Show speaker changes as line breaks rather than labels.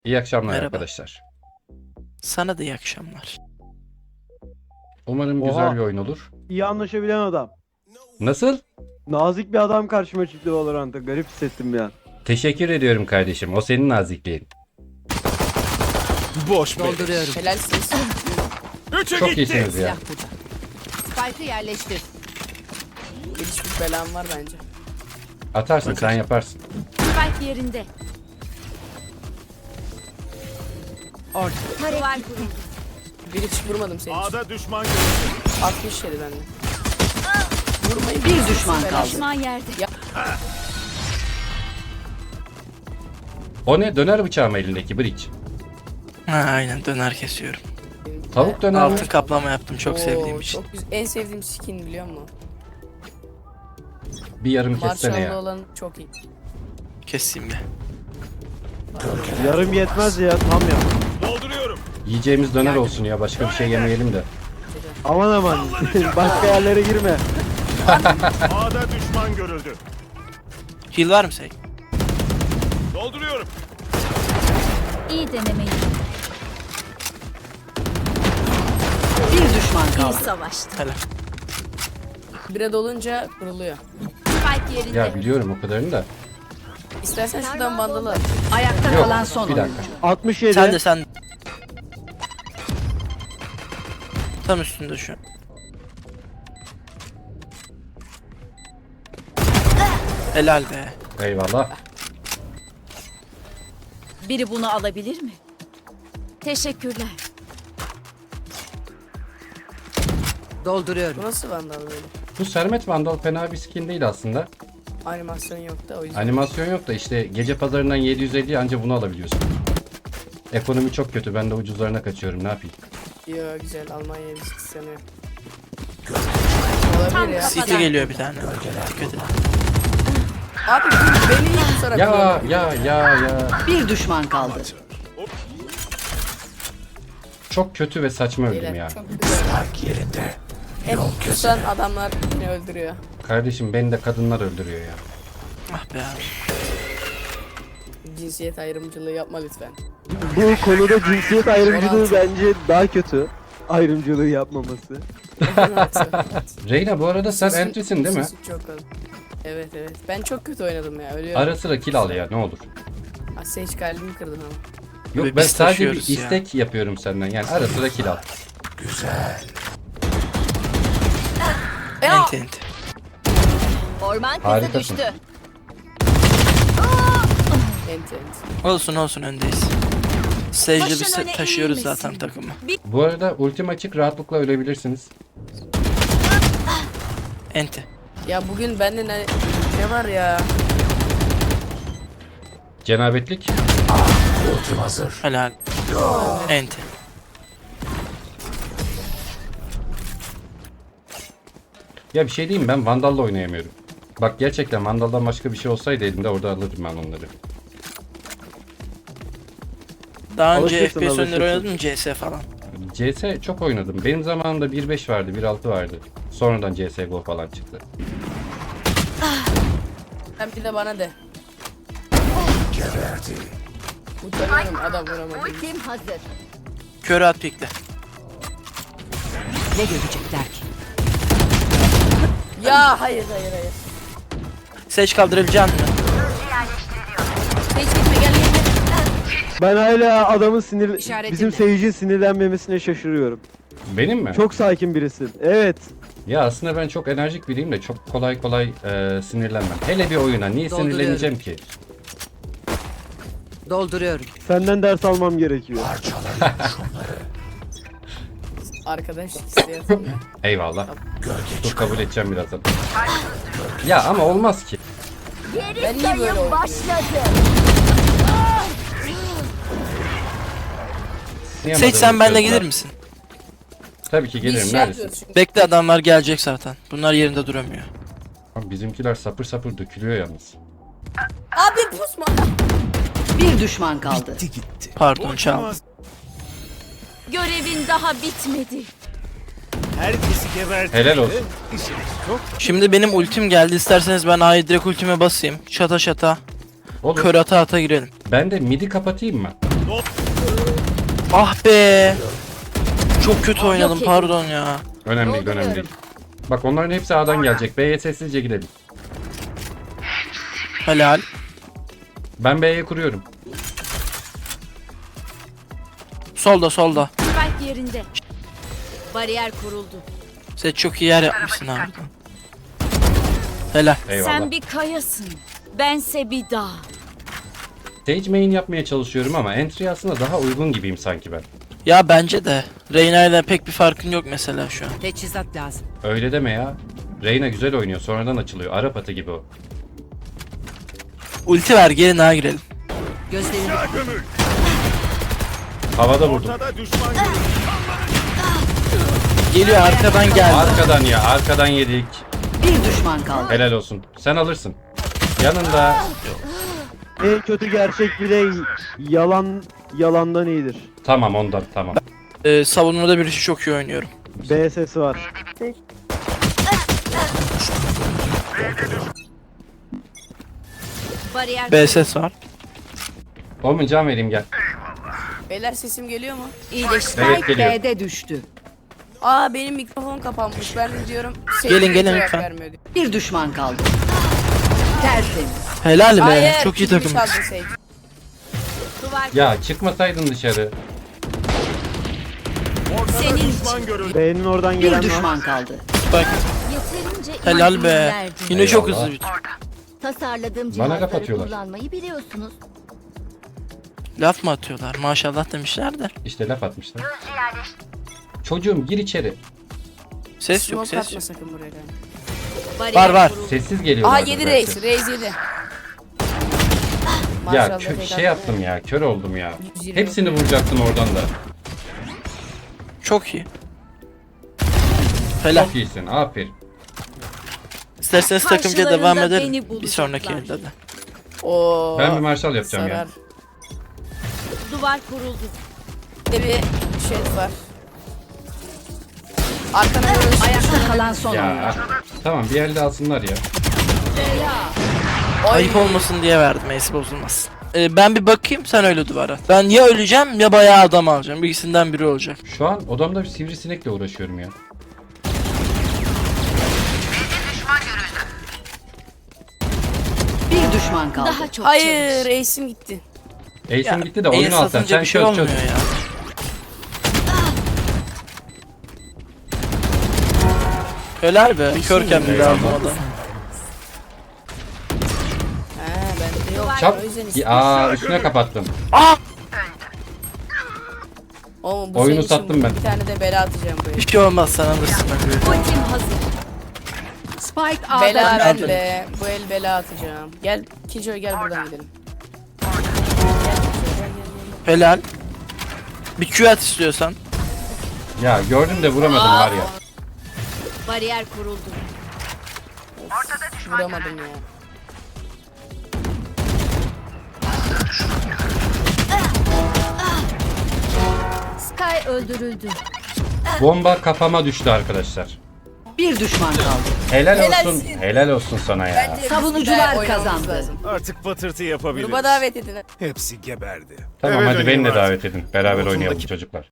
İyi akşamlar
Merhaba.
arkadaşlar.
Sana da iyi akşamlar.
Umarım
Oha.
güzel bir oyun olur.
İyi anlaşabilen adam.
Nasıl?
Nazik bir adam karşıma çıktı Valorant'ta. Garip hissettim ya.
Teşekkür ediyorum kardeşim. O senin nazikliğin.
Boş be.
Dolduruyorum.
Helalsiniz.
Üçü
Çok
gitti.
iyisiniz ya.
Silah burada. Spike'ı yerleştir.
Gelişmiş belam var bence.
Atarsın, sen yaparsın.
Spike yerinde.
Orada.
Duvar kuruldu.
Bir hiç vurmadım seni.
A'da düşman görüldü.
60 yedi bende. Vurmayı
Bir düşman kaldı.
Düşman yerde.
O ne? Döner bıçağı mı elindeki bridge?
Ha, aynen döner kesiyorum.
Tavuk döner mi?
Altın kaplama yaptım çok sevdiğim için.
Çok güzel. En sevdiğim skin biliyor musun?
Bir yarım kessene
Marshall'lı
ya.
olan çok iyi.
Keseyim bir.
Yarım yetmez ya, tam ya.
Dolduruyorum.
Yiyeceğimiz döner olsun ya. Başka bir şey yemeyelim de.
Aman aman. Başka yerlere girme.
A'da düşman görüldü.
Heal var mı Sey?
Dolduruyorum.
İyi denemeyi.
Bir düşman
İyi
kaldı.
savaştı.
Helal.
Bire dolunca kuruluyor.
Spike yerinde.
Ya biliyorum o kadarını da.
İstersen şuradan vandalı al.
Ayakta
Yok,
kalan son
bir
oyuncu.
dakika.
67.
Sen de sen. Tam üstünde şu an. Helal be.
Eyvallah.
Biri bunu alabilir mi? Teşekkürler.
Dolduruyorum.
Bu nasıl vandal böyle?
Bu Sermet Vandal fena bir skin değil aslında.
Animasyon yok da o yüzden.
Animasyon yok da işte gece pazarından 750 anca bunu alabiliyorsun. Ekonomi çok kötü. Ben de ucuzlarına kaçıyorum. Ne yapayım?
Yo güzel. Almanya'ya bir sanıyor. Olabilir ya.
City geliyor bir tane. Dikkat et.
Abi beni niye kusarak
Ya.
Bir düşman kaldı.
Çok kötü ve saçma öldüm ya.
Çok güzel. Hep kusan adamlar beni öldürüyor.
Kardeşim beni de kadınlar öldürüyor ya.
Ah be abi.
Cinsiyet ayrımcılığı yapma lütfen.
Bu konuda cinsiyet ayrımcılığı bence daha kötü. Ayrımcılığı yapmaması.
Reyna bu arada sen
Sesin-
entry'sin değil mi?
sesin çok kalın. Evet evet. Ben çok kötü oynadım ya. Ölüyorum.
Ara sıra kill al ya ne olur.
Sage kalbimi kırdın ama.
Yok
Ve
ben
biz
sadece bir
taşıyoruz ya.
istek yapıyorum senden yani ara sıra kill al.
Enti enti.
Orman kızı
Harikasın.
düştü.
Ent ent.
Olsun olsun öndeyiz. Sage'de
Başın
biz
öne
taşıyoruz
eğilmesin.
zaten takımı.
Bu arada ultim açık rahatlıkla ölebilirsiniz.
Enti.
Ya bugün bende ne var ya?
Cenabetlik.
Helal. Enti.
Ya bir şey diyeyim ben Vandal'la oynayamıyorum. Bak gerçekten Vandal'dan başka bir şey olsaydı elimde orada alırdım ben onları.
Daha önce
Alışırsın,
FPS oyunları
alışırsın.
oynadın mı CS falan?
CS çok oynadım. Benim zamanımda 1.5 vardı, 1.6 vardı. Sonradan CSGO falan çıktı.
Sen bir de bana de. Utanıyorum adam vuramadı.
Ultim hazır.
Körü at pikle.
Ne görecekler ki?
Ya hayır.
Sage kaldırabilecek misin?
Hiç gitme gel.
Ben hala adamın
İşaretimle.
bizim Sage'in sinirlenmemesine şaşırıyorum.
Benim mi?
Çok sakin birisin. Evet.
Ya aslında ben çok enerjik biriyim de çok kolay kolay sinirlenmem. Hele bir oyuna niye
Dolduruyorum.
sinirleneceğim ki?
Dolduruyorum.
Senden ders almam gerekiyor.
Arkadaş isteyasın ya.
Eyvallah. Dur kabul edeceğim birazdan. Ya ama olmaz ki.
Ben niye böyle oynuyorum?
Sage sen benimle gelir misin?
Tabii ki
Biz
gelirim.
şey
Neredesin?
yapıyoruz çünkü.
Bekle adamlar gelecek zaten. Bunlar yerinde duramıyor.
Abi bizimkiler sapır sapır dökülüyor yalnız.
Abi pusma.
Bir düşman kaldı.
Pardon çaldım.
Görevin daha bitmedi.
Herkesi gebertin.
Helal olsun.
İşiniz çok.
Şimdi benim ultim geldi. İsterseniz ben A'yı direkt ultime basayım. Şata şata.
Olur.
Kör ata ata girelim.
Ben de midi kapatayım mı?
Ah be. Çok kötü oynadım
Yok
pardon ya.
Önemli değil, önemli değil. Bak onların hepsi A'dan gelecek. B'ye sessizce gidelim.
Helal.
Ben B'ye kuruyorum.
Solda solda.
Spike yerinde. Bariyer kuruldu.
Sen çok iyi yer yapmışsın abi. Helal.
Eyvallah.
Sen bir kayasın. Bense bir dağ.
Sage main yapmaya çalışıyorum ama entry aslında daha uygun gibiyim sanki ben.
Ya bence de. Reyna ile pek bir farkın yok mesela şu an.
Teçhizat lazım.
Öyle deme ya. Reyna güzel oynuyor, sonradan açılıyor. Arap atı gibi o.
Ulti ver gelin ha girelim.
Gözlerini
Gömül.
Havada vurdum.
Ortada düşman görüldü.
Geliyor arkadan geldi.
Arkadan ya, arkadan yedik.
bir düşman kaldı.
Helal olsun. Sen alırsın. Yanında.
En kötü gerçek bile yalandan iyidir.
Tamam ondan, tamam.
Savunmada bir işi çok iyi oynuyorum.
B sesi var.
Bariyer
B ses var.
Oğlum can vereyim gel.
Beyler sesim geliyor mu?
İyileşti.
Evet,
Spike
geliyor.
B'de düştü.
Aa benim mikrofon kapanmış. Ben de diyorum.
Gelin, gelin
cevap
lütfen.
vermiyor diyor.
Bir düşman kaldı. Tertemiz.
Helal be.
Hayır,
Çok iyi
kilimi
takım.
çaldın Sage.
duvar.
Ya çıkmasaydın dışarı.
Ortada
Senin
düşman görüldü.
B'nin oradan
Bir
gelen var.
düşman kaldı.
Bak.
Yeterince
Helal
izin
be.
verdim.
Yine çok
Eyvallah.
hızlı bitti.
Tasarladığım
Bana
cihazları
laf atıyorlar.
kullanmayı biliyorsunuz.
Laf mı atıyorlar? Maşallah demişler de.
İşte laf atmışlar. Çocuğum gir içeri.
Ses yok
Smoke
ses
atma
yok.
sakın buraya.
Bariyer
Var.
kuruldu.
Sessiz geliyorlar.
Aha 7 reis. Reis 7.
Ya
Maşallah, tek
şey
attı.
yaptım ya, kör oldum ya.
120.
Hepsini vuracaktım oradan da.
Çok iyi. Helal.
Çok iyisin, aferin.
İsterseniz takımca devam
Karşılarında
edelim.
beni
Bir
bulacaklar.
sonraki elde de.
Oo.
Ben bir marşal yapacağım
Sarar.
ya.
Duvar kuruldu.
Bir de bir şey var. Arkana doğru
Ayakta kalan son oyuncu.
Ya tamam bir elde alsınlar ya.
Ayıp olmasın diye verdim. Ace bozulmaz. Ben bir bakayım sen öyle duvara. Ben ya öleceğim ya bayağı adam alacağım. İkisinden biri olacak.
Şu an odamda bir sivrisinekle uğraşıyorum ya.
Bir düşman kaldı.
Daha çok
Hayır,
çalış.
reisim gitti.
Ace'im gitti de oyunu
Ace
al sen.
atınca
Sen
bir şey
çöz
olmuyor
çöz.
ya. Helal be. Körken bir daha
Eyvallah.
adam.
He bende yok.
Çap.
O yüzden istedim.
Aa üstüne kapattım.
Oğlum, bu
Oyunu
senin için
sattım ben.
Bir tane de bela atacağım buraya.
Bir şey olmaz sen alırsın.
Ultim hazır.
Spike A'da
Bela
düştü.
bende. Bu el bela atacağım. Gel Kijoy gel buradan gidelim.
Helal. Bir Q at istiyorsan.
Ya gördüm de vuramadım var ya.
Bariyer kuruldu.
Vuramadım ya.
Sky öldürüldü.
Bomba kafama düştü arkadaşlar.
Bir düşman kaldı.
Helal olsun.
Helalsin.
Helal olsun sana ya.
Savunucular
Oynamamız
kazandı.
lazım.
Artık patırtı yapabiliriz.
Gruba davet edin.
Hepsi geberdi.
Tamam
Eve
hadi beni
döneyim
de
artık.
davet edin. Beraber
Omzumdaki-
oynayalım çocuklar.